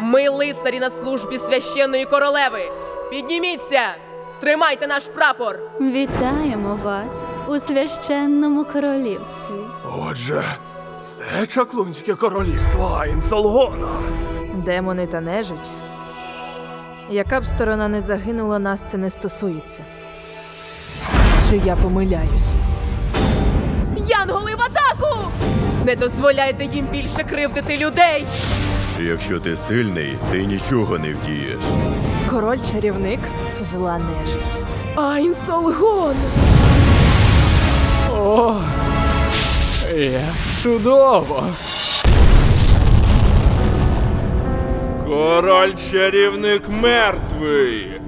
Ми лицарі на службі священної королеви. Підніміться! Тримайте наш прапор! Вітаємо вас у священному королівстві. Отже, це чаклунське королівство Айнсолгона. Демони та нежить. Яка б сторона не загинула, нас це не стосується. Чи я помиляюсь? Янголи в атаку! Не дозволяйте їм більше кривдити людей! Якщо ти сильний, ти нічого не вдієш. Король-чарівник? Зла нежить. Айнсолгон! О, як чудово! Король-чарівник мертвий!